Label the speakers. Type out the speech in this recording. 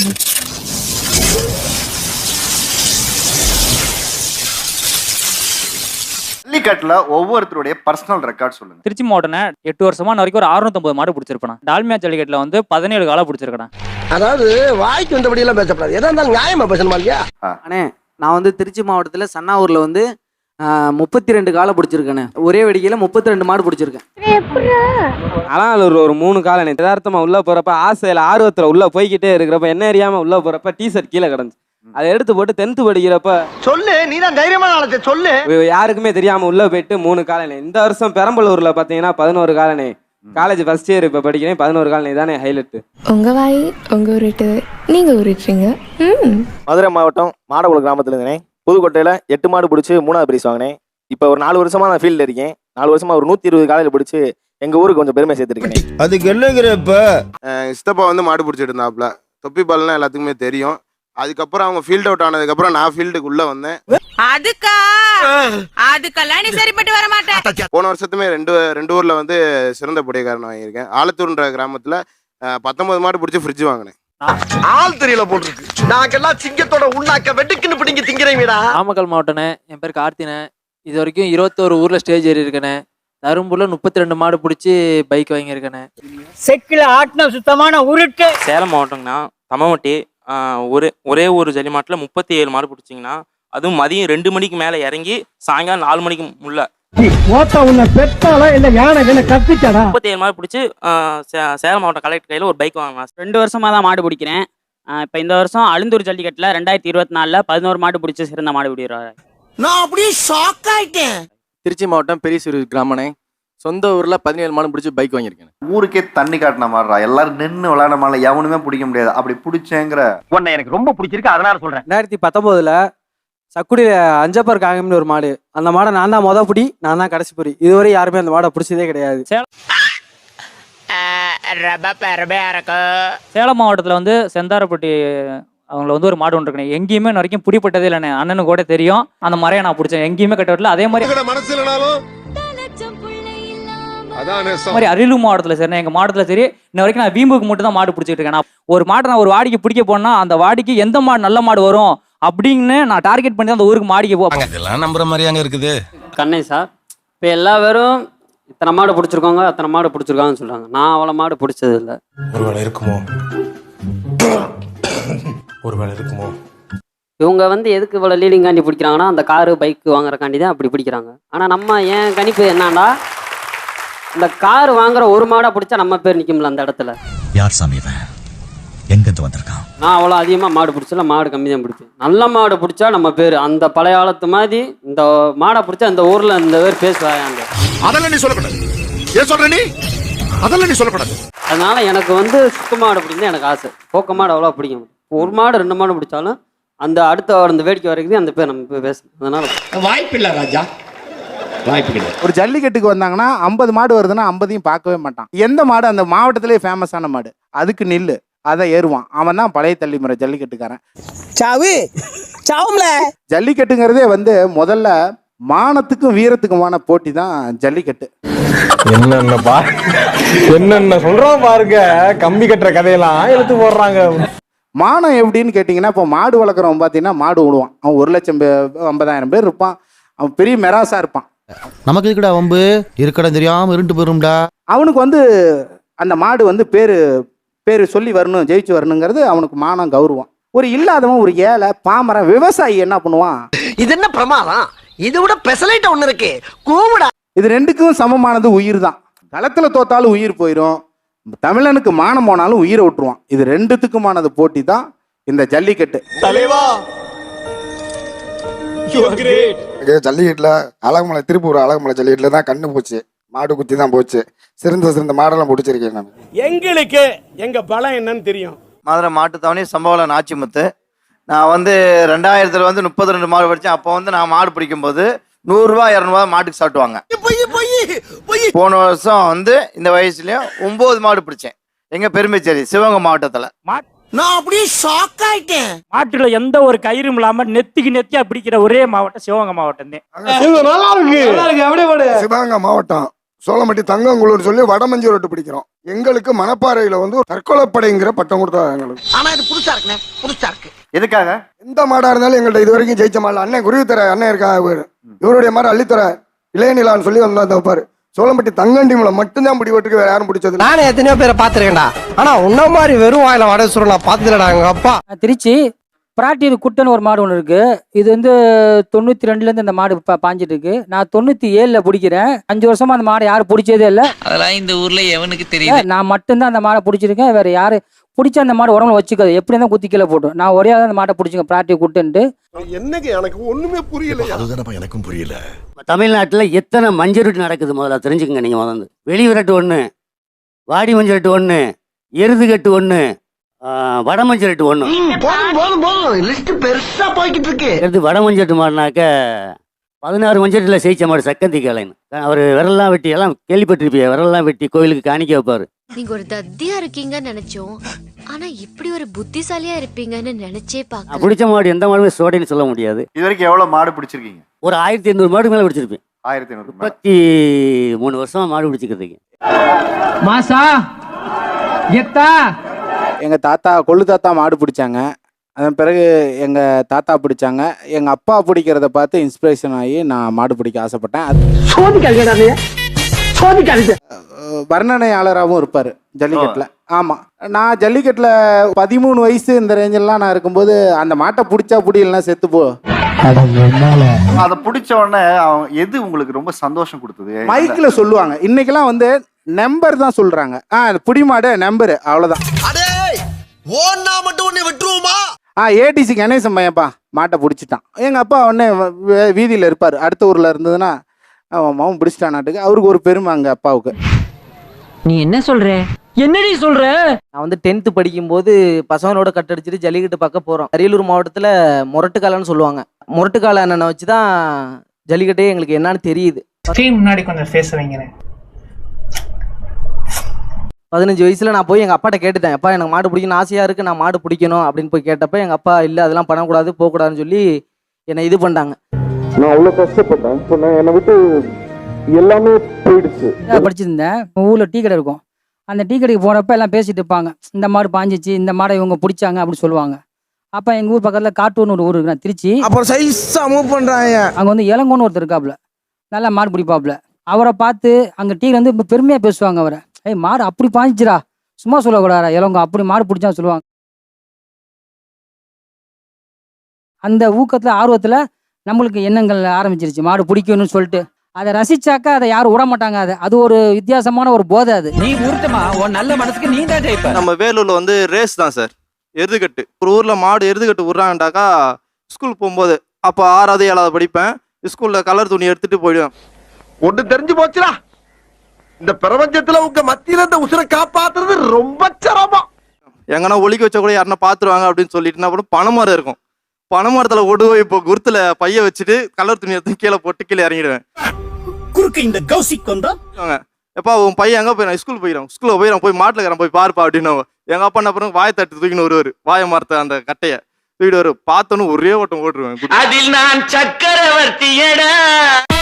Speaker 1: ஜல்லிக்கட்டுல ஒவ்வொருத்தருடைய personal record சொல்லுங்க.
Speaker 2: திருச்சி மாவட்டம் 8 வருஷமா வரைக்கும் ஒரு 650 மாடு பிடிச்சிருப்பேன். டால்மியா ஜல்லிக்கட்டுல வந்து 17 காலம் பிடிச்சிருக்கேன்.
Speaker 3: அதாவது வாய்க்கு வந்தபடி எல்லாம் பேசப்படாது, எதா இருந்தாலும் நியாயமா பேசணுமா இல்லையா?
Speaker 4: அண்ணே நான் வந்து திருச்சி மாவட்டத்துல சன்னாவூர்ல வந்து 32 காலை பிடிச்சிருக்கேன். ஒரே வெடிக்கையில 32 மாடு பிடிச்சிருக்கேன்.
Speaker 5: ஆனால் ஒரு 3 காலம் யதார்த்தமா உள்ள போறப்ப ஆசையில ஆர்வத்துல உள்ள போய்கிட்டே இருக்கிறப்ப என்ன அறியாம உள்ள போறப்ப டிஷர்ட் கீழே கிடந்துச்சு. அதை எடுத்து போட்டு 10th படிக்கிறப்ப
Speaker 3: சொல்லு, நீ தான் தைரியமா நாளைக்கு சொல்லு.
Speaker 5: யாருக்குமே தெரியாம உள்ள போயிட்டு 3 காலனி. இந்த வருஷம் பெரம்பலூர்ல பாத்தீங்கன்னா 11 காலனி. காலேஜ் ஃபர்ஸ்ட் இயர் இப்ப படிக்கிறேன். 11 காலனி தானே ஹைலைட்.
Speaker 6: உங்க வாய் உங்க உருட்டு, நீங்க உருட்டுறீங்க.
Speaker 7: மதுரை மாவட்டம் மாடகுளம் கிராமத்துல இருந்தேன். புதுக்கோட்டையில 8 மாடு பிடிச்சி 3வது பிரைஸ் வாங்கினேன். இப்போ ஒரு 4 வருஷமா நான் ஃபீல்ட்ல இருக்கேன். 4 வருஷமா ஒரு 120 காலையில பிடிச்சி எங்க ஊருக்கு கொஞ்சம் பெருமை சேர்த்துருக்கேன்.
Speaker 8: அதுக்கு என்னங்கிறப்ப சித்தப்பா வந்து மாடு பிடிச்சிட்டு இருந்தாப்ல. தொப்பி பால்னா எல்லாத்துக்குமே தெரியும். அதுக்கப்புறம் அவங்க ஃபீல்ட் அவுட் ஆனதுக்கப்புறம் நான் ஃபீல்டுக்கு உள்ள வந்தேன்.
Speaker 9: அதுக்கெல்லாம் நீ சரிப்பட்டு வர மாட்டேன்.
Speaker 8: போன வருஷத்துமே ரெண்டு ஊர்ல வந்து சிறந்த புடையக்காரன் வாங்கியிருக்கேன். ஆலத்தூர்ன்ற கிராமத்துல 19 மாடு பிடிச்சி ஃப்ரிட்ஜ் வாங்கினேன்.
Speaker 3: ஆள் தெரியல போட்டுருக்கு. நாங்கெல்லாம் சிங்கத்தோட உண்ணாக்க வெட்டுக்குன்னு பிடிங்க திங்கிறீங்கடா.
Speaker 4: நாமக்கல் மாவட்டனே, என் பேர் கார்த்தினே. இது வரைக்கும் 21 ஊர்ல ஸ்டேஜ் ஏறி இருக்கேனே. தரும்பூர்ல 32 மாடு பிடிச்சி பைக் வாங்கியிருக்கேனே.
Speaker 3: செக்கில ஆட்டின சுத்தமான உருட்டு.
Speaker 10: சேலம் மாவட்டம்னா தமவட்டி ஒரே ஒரு ஜல்லி மாட்டில் 37 மாடு பிடிச்சிங்கன்னா, அதுவும் மதியம் 2 மணிக்கு மேலே இறங்கி சாயங்காலம் 4 மணிக்கு உள்ள 37 மாடு பிடிச்சி சேலம் மாவட்டம் கலெக்டர் கையில் ஒரு பைக் வாங்கினா.
Speaker 2: 2 வருஷமா தான் மாடு பிடிக்கிறேன். இப்போ இந்த வருஷம் அழுந்தூர் ஜல்லிக்கட்டுல 2024ல் 11 மாடு பிடிச்சி சிறந்த மாடு பிடிக்கிறாரு.
Speaker 3: நான் அப்படியே ஷாக் ஆயிட்டேன்.
Speaker 7: திருச்சி மாவட்டம் பெரியசூர் கிராமனே. சொந்த ஊர்ல 17 மாடு பிடிச்சி பைக் வாங்கியிருக்கேன்.
Speaker 1: ஊருக்கே தண்ணி காட்டின மாதிரிடா. எல்லாரும் நின்று விளையாட மாதிரி எவனுமே பிடிக்க முடியாது. அப்படி பிடிச்சேங்கிற
Speaker 3: உன்னை எனக்கு ரொம்ப பிடிச்சிருக்கு, அதனால சொல்றேன்.
Speaker 5: 2019ல் சக்குடியில அஞ்சப்பர் காங்கம்னு ஒரு மாடு. அந்த மாடை நான் தான் பிடி, நான் தான் கடைசி பொறி. இதுவரை யாருமே அந்த மாடை பிடிச்சதே கிடையாது.
Speaker 2: சேலம் மாவட்டத்தில் வந்து செந்தாரப்பட்டி அவங்கள வந்து ஒரு மாடு ஒன்று இருக்கணும். எங்கேயுமே வரைக்கும் பிடிப்பட்டதே இல்லைண்ணே. அண்ணனு கூட தெரியும். அந்த மறையை நான் பிடிச்சேன். எங்கேயுமே கட்டவில்லை. அதே மாதிரி அரியலூர் மாவட்டத்தில் சரி, எங்கள் மாவட்டத்தில் சரி, இன்ன வரைக்கும் நான் வீம்புக்கு மட்டும் தான் மாடு பிடிச்சிட்டு இருக்கேன். நான் ஒரு மாட்டை நான் ஒரு வாடிக்கு பிடிக்க போனா அந்த வாடிக்கு எந்த மாடு நல்ல மாடு வரும் அப்படின்னு நான் டார்கெட் பண்ணி அந்த ஊருக்கு மாடிக்கு போவேன்.
Speaker 8: இதெல்லாம் நம்புற மாதிரியாங்க இருக்குது.
Speaker 4: கண்ணை சார், இப்போ எல்லா பேரும் இத்தனை மாடு பிடிச்சிருக்கோங்க, அத்தனை மாடு பிடிச்சிருக்காங்கன்னு சொல்றாங்க. நான் அவ்வளோ மாடு பிடிச்சது இல்லை.
Speaker 8: ஒருவேளை இருக்குமோ.
Speaker 4: இவங்க வந்து எதுக்கு இவ்வளோ லீடிங் காண்டி பிடிக்கிறாங்கன்னா, அந்த காரு பைக்கு வாங்குறக்காண்டி தான் அப்படி பிடிக்கிறாங்க. ஆனால் நம்ம என் கணிப்பு என்னன்னா, இந்த கார் வாங்குற ஒரு மாடா பிடிச்சா நம்ம பேர் நிக்கும்ல அந்த இடத்துல.
Speaker 11: யார் சாமி இவன்? எங்கிருந்து வந்திருக்கான்?
Speaker 4: நான் அவ்வளோ அதிகமாக மாடு பிடிச்சல, மாடு கம்மி தான் பிடிப்பேன். நல்ல மாடு பிடிச்சா நம்ம பேர் அந்த பழைய காலத்து மாதிரி இந்த மாடை பிடிச்சா இந்த ஊர்ல இந்த பேர் பேசுவாங்க.
Speaker 8: அதெல்லாம் நீ சொல்லக்கூடாது. ஏன் சொல்ற நீ? அதெல்லாம் நீ சொல்லக்கூடாது.
Speaker 4: அதனால எனக்கு வந்து சுத்த மாடு பிடிக்கும் எனக்கு ஆசை. போக்க மாடு அவ்வளோ பிடிக்கும். ஒரு மாடு 2 மாடு பிடிச்சாலும் அந்த அடுத்த அந்த வேடிக்கை வரைக்கும் அந்த பேர் நம்ம பேசணும். அதனால
Speaker 3: வாய்ப்பு இல்லை ராஜா, வாய்ப்பு கிடையாது.
Speaker 12: ஒரு ஜல்லிக்கட்டுக்கு வந்தாங்கன்னா 50 மாடு வருதுன்னா 50ஐயும் பார்க்கவே மாட்டான். எந்த மாடு அந்த மாவட்டத்திலே ஃபேமஸான மாடு அதுக்கு நில்லு, அதை ஏறுவான். அவன் தான் பழைய தலைமுறை ஜல்லிக்கட்டுக்காரன். ஜல்லிக்கட்டுங்கிறதே வந்து முதல்ல மானத்துக்கும் வீரத்துக்குமான போட்டி தான் ஜல்லிக்கட்டு.
Speaker 8: என்னென்ன சொல்றோம் பாருங்க. கம்பி கட்டுற கதையெல்லாம் எடுத்து போடுறாங்க.
Speaker 12: மானம் எப்படின்னு கேட்டிங்கன்னா, இப்போ மாடு வளர்க்குறவன் பார்த்தீங்கன்னா மாடு விடுவான். அவன் 1,50,000 பேர் இருப்பான். அவன் பெரிய மெராசா இருப்பான்.
Speaker 11: நமக்கு இருக்கடா வம்பு இருக்கடம் தெரியாம இருண்டு போயிரும்டா.
Speaker 12: அவனுக்கு வந்து அந்த மாடு வந்து பேரு சொல்லி வரணும், ஜெயிச்சு வரணுங்கிறது அவனுக்கு மானம், கௌரவம். ஒரு இல்லாதவன், ஒரு ஏழை பாமரன் விவசாயி என்ன பண்ணுவான்?
Speaker 3: இது என்ன பிரமாதம்? இதை விட பெசலைட் ஒண்ணு இருக்கு, கூவுடா.
Speaker 12: இது ரெண்டுக்கும் சமமானது உயிர் தான். களத்துல தோத்தாலும் உயிர் போயிடும், தமிழனுக்கு மானம் போனாலும் உயிரை விட்டுருவான். இது ரெண்டுத்துக்குமானது போட்டி தான் இந்த ஜல்லிக்கட்டு.
Speaker 8: ஜல்லிக்கட்டுல அழகுமலை, திருப்பூர் அழகுமலை ஜல்லிக்கட்டுல தான் கண்ணு போச்சு. மாடு குத்தி தான் போச்சு. சிறந்த மாடெல்லாம் பிடிச்சிருக்கேன் நான்.
Speaker 3: எங்களுக்கு எங்க பலம் என்னன்னு தெரியும்.
Speaker 1: மதுரை மாட்டுத்தாவணி சம்பவம் நாச்சிமுத்து. நான் வந்து 2000 வந்து 32 மாடு படித்தேன். அப்போ வந்து நான் மாடு பிடிக்கும் போது 100 ரூபா 200 ரூபா மாட்டுக்கு சாப்பிடுவாங்க. போன வருஷம் வந்து இந்த வயசுலயும் 9 மாடு பிடிச்சேன். எங்க பெருமைச்சேரி சிவகங்கை மாவட்டத்துல.
Speaker 3: நான் அப்படியே ஷாக் ஆயிட்டேன்.
Speaker 2: மாட்டுல எந்த ஒரு கயிறும் இல்லாம நெத்தியா பிடிக்கிற ஒரே மாவட்டம் சிவகங்கை மாவட்டம் தான்.
Speaker 8: சிவகங்கை மாவட்டம்
Speaker 3: சோளம்பட்டி தங்கங்குளூர் சொல்லி வடமஞ்சி ரோட்டு பிடிக்கிறோம். எங்களுக்கு மணப்பாறையில வந்து தற்கொலைப்படைங்கிற பட்டம் கொடுத்தாங்க எங்களுக்கு.
Speaker 9: ஆனா இது புதுசா இருக்குண்ணே, புதுசா இருக்கு.
Speaker 1: எதுக்காக?
Speaker 3: எந்த மாடா இருந்தாலும் எங்கள்ட்ட இது வரைக்கும் ஜெயிச்ச மாடல அண்ணன் குருவித்தர அண்ணன் இருக்காங்க, இவருடைய மாதிரி அள்ளித்தர இளையநிலான்னு சொல்லி வந்தா தப்பாரு. சோளம்பட்டி தங்கண்டிமுல மட்டும்தான் பிடிபட்டுருக்கு, வேற யாரும் பிடிச்சது.
Speaker 9: நானே எத்தனையோ பேரை பாத்துருக்கேன்டா, ஆனா உன்ன மாதிரி வெறும் வாயில வடை சுருள் நான் பாத்துலடா. எங்க அப்பா
Speaker 2: திருச்சி பிராட்டியில் குட்டன் ஒரு மாடு ஒன்று இருக்கு. இது வந்து 92லேருந்து இந்த மாடு பாஞ்சிட்டு இருக்கு. நான் 97ல் பிடிக்கிறேன். 5 வருஷமா அந்த மாடை யாரும் பிடிச்சதே இல்லை.
Speaker 9: அதெல்லாம் இந்த ஊர்ல எவனுக்கு தெரியும்?
Speaker 2: நான் மட்டும்தான் அந்த மாடை பிடிச்சிருக்கேன். வேற யாரு பிடிச்ச அந்த மாடு உடம்புல வச்சுக்காது, எப்படி இருந்தால் குத்தி கீழே போட்டோம். நான் ஒரே அந்த மாட்டை பிடிச்சிங்க பிராட்டி குட்டுன்ட்டு.
Speaker 3: என்னங்க எனக்கு ஒண்ணுமே புரியல.
Speaker 8: அதுதானப்பா எனக்கும் புரியல.
Speaker 4: தமிழ்நாட்டில் எத்தனை மஞ்சள் விரட்டு நடக்குது முதல்ல தெரிஞ்சுக்கங்க. நீங்கள் முதல்ல வெளி விரட்டு 1, வாடி மஞ்சள் விரட்டு 1, எருது கட்டு 1, வடமஞ்சள் விரட்டு 1.
Speaker 3: போதும் லிஸ்ட் பெருசா போய்கிட்டு இருக்கு.
Speaker 4: எடுத்து வடமஞ்சட்டு மாடினாக்க 16 மஞ்சட்டில் ஜெயிச்ச மாடு சக்கந்தி காலைன்னு. அவர் விரல்லாம் வெட்டி எல்லாம் கேள்விப்பட்டிருப்பீங்க. விரல்லாம் வெட்டி கோயிலுக்கு காணிக்க வைப்பாரு.
Speaker 6: நீங்க ஒரு தத்தியா இருக்கீங்கன்னு நினைச்சோம், ஆனா இப்படி ஒரு புத்திசாலியா இருப்பீங்கன்னு நினைச்சே பார்க்க.
Speaker 4: பிடிச்ச மாடு எந்த மாடுமே சோடைன்னு சொல்ல முடியாது.
Speaker 1: இது வரைக்கும் எவ்வளவு மாடு பிடிச்சிருக்கீங்க?
Speaker 4: ஒரு 1500 மாடு மேலே பிடிச்சிருப்பேன்.
Speaker 1: 1500.
Speaker 4: 33 வருஷமா மாடு பிடிச்சிக்கிறதுக்கு.
Speaker 2: மாசா எத்தா
Speaker 12: எங்கள் தாத்தா கொள்ளு தாத்தா மாடு பிடிச்சாங்க. அதன் பிறகு எங்கள் தாத்தா பிடிச்சாங்க. எங்கள் அப்பா பிடிக்கிறத பார்த்து இன்ஸ்பிரேஷன் ஆகி நான் மாடு பிடிக்க ஆசைப்பட்டேன். வர்ணனையாளராகவும் இருப்பார் ஜல்லிக்கட்டில். ஆமாம், நான் ஜல்லிக்கட்டில் 13 வயசு இந்த ரேஞ்செல்லாம் நான் இருக்கும்போது அந்த மாட்டை பிடிச்சா பிடிக்கலன்னா செத்து போ.
Speaker 1: அதை பிடிச்ச உடனே எது உங்களுக்கு ரொம்ப சந்தோஷம் கொடுத்தது?
Speaker 12: மைக்கில் சொல்லுவாங்க. இன்னைக்கெல்லாம் வந்து நம்பர் தான் சொல்கிறாங்க. புடி மாடு நம்பரு, அவ்வளோதான்.
Speaker 3: ஓன்னா மட்டும் உன்னை விட்டுருவோமா?
Speaker 12: ஏடிசி கணேசன் பையன்ப்பா மாட்டை பிடிச்சிட்டான். எங்கள் அப்பா உடனே வீதியில் இருப்பார். அடுத்த ஊரில் இருந்ததுன்னா அவன் பிடிச்சிட்டான் நாட்டுக்கு. அவருக்கு ஒரு பெருமை அங்கே அப்பாவுக்கு.
Speaker 2: நீ என்ன சொல்ற? என்னடி சொல்ற?
Speaker 5: நான் வந்து 10th படிக்கும்போது பசங்களோட கட்டடிச்சிட்டு ஜல்லிக்கட்டு பார்க்க போகிறோம். அரியலூர் மாவட்டத்தில் முரட்டுக்காலன்னு சொல்லுவாங்க. முரட்டுக்கால அண்ணனை வச்சு தான் ஜல்லிக்கட்டே எங்களுக்கு என்னன்னு தெரியுது.
Speaker 2: முன்னாடி கொஞ்சம் ஃபேஸ் வைக்கிறேன்.
Speaker 5: 15 வயசுல நான் போய் எங்கள் அப்பாட்ட கேட்டுட்டேன், அப்பா எனக்கு மாடு பிடிக்கணும் ஆசையாக இருக்குது, நான் மாடு பிடிக்கணும் அப்படின்னு போய் கேட்டப்ப எங்கள் அப்பா இல்லை அதெல்லாம் பண்ணக்கூடாது போகக்கூடாதுன்னு சொல்லி என்னை இது பண்ணிட்டாங்க.
Speaker 7: நான் அவ்வளோ கஷ்டப்பட்டேன். சொன்னேன் என்னை விட்டு எல்லாமே போயிடுச்சு.
Speaker 2: படிச்சிருந்தேன். ஊரில் டீ கடை இருக்கும். அந்த டீ கடைக்கு போகிறப்ப எல்லாம் பேசிட்டு இருப்பாங்க. இந்த மாடு பாஞ்சிச்சு, இந்த மாடை இவங்க பிடிச்சாங்க அப்படின்னு சொல்லுவாங்க. அப்போ எங்கள் ஊர் பக்கத்தில் காட்டூர்னு ஒரு ஊர் இருக்கு, நான் திருச்சி.
Speaker 3: அப்புறம் சைஸா மூவ் பண்றாங்க.
Speaker 2: அங்கே வந்து இளங்கோன்னு ஒருத்தர் இருக்காப்புல, நல்லா மாடு பிடிப்பாப்புல. அவரை பார்த்து அங்கே டீ வந்து பெருமையாக பேசுவாங்க அவரை. மாடு அப்படி பாஞ்சிச்சுரா, சும்மா சொல்லக்கூடாதா இளங்கோ, அப்படி மாடு பிடிச்சா சொல்லுவாங்க. அந்த ஊக்கத்தில் ஆர்வத்தில் நம்மளுக்கு எண்ணங்கள் ஆரம்பிச்சிருச்சு மாடு பிடிக்கணும்னு சொல்லிட்டு. அதை ரசிச்சாக்கா அதை யாரும் விட மாட்டாங்க. அது ஒரு வித்தியாசமான ஒரு போதை. அது
Speaker 9: நீ ஊர்த்தமா உன் நல்ல மனசுக்கு நீ தான் ஜெயிப்ப.
Speaker 10: நம்ம வேலூர்ல வந்து ரேஸ் தான் சார், எருதுகட்டு. ஒரு ஊர்ல மாடு எருதுகட்டு விட்றாங்கட்டாக்கா ஸ்கூல் போகும்போது அப்போ 6வது 7வது படிப்பேன். ஸ்கூல்ல கலர் துணி எடுத்துட்டு போயிடுவேன்.
Speaker 3: ஒண்ணு தெரிஞ்சு போச்சுடா, இந்த பிரபஞ்சத்துல உங்க மத்தியில இந்த உசுரை காப்பாத்துறது ரொம்ப சிரமம்.
Speaker 10: எங்கன்னா ஒலிக்க வச்சா கூட யாருன்னா பாத்துருவாங்க அப்படின்னு சொல்லிட்டு என்ன பண்ணும், பனைமரம் இருக்கும், பனைமரத்துல ஓடு போய் இப்போ குருத்துல பைய வச்சுட்டு கலர் துணி எடுத்து கீழே போட்டு கீழே இறங்கிடுவேன்.
Speaker 9: குறுக்கு இந்த கௌசிக் கொண்டா
Speaker 10: எப்பா உன் பையன் எங்க போய் ஸ்கூல் போயிடும், ஸ்கூல்ல போயிடும், போய் மாட்டுல இருக்கிறேன் போய் பாருப்பா அப்படின்னு. எங்க அப்பா என்ன பண்ணுவாங்க, வாயை தட்டு தூக்கின்னு வருவாரு, வாயை மரத்தை அந்த கட்டைய தூக்கிட்டு வரு. பார்த்தோன்னு ஒரே ஓட்டம் ஓட்டுருவேன்.
Speaker 9: அதில் நான் சக்கரவர்த்தியடா.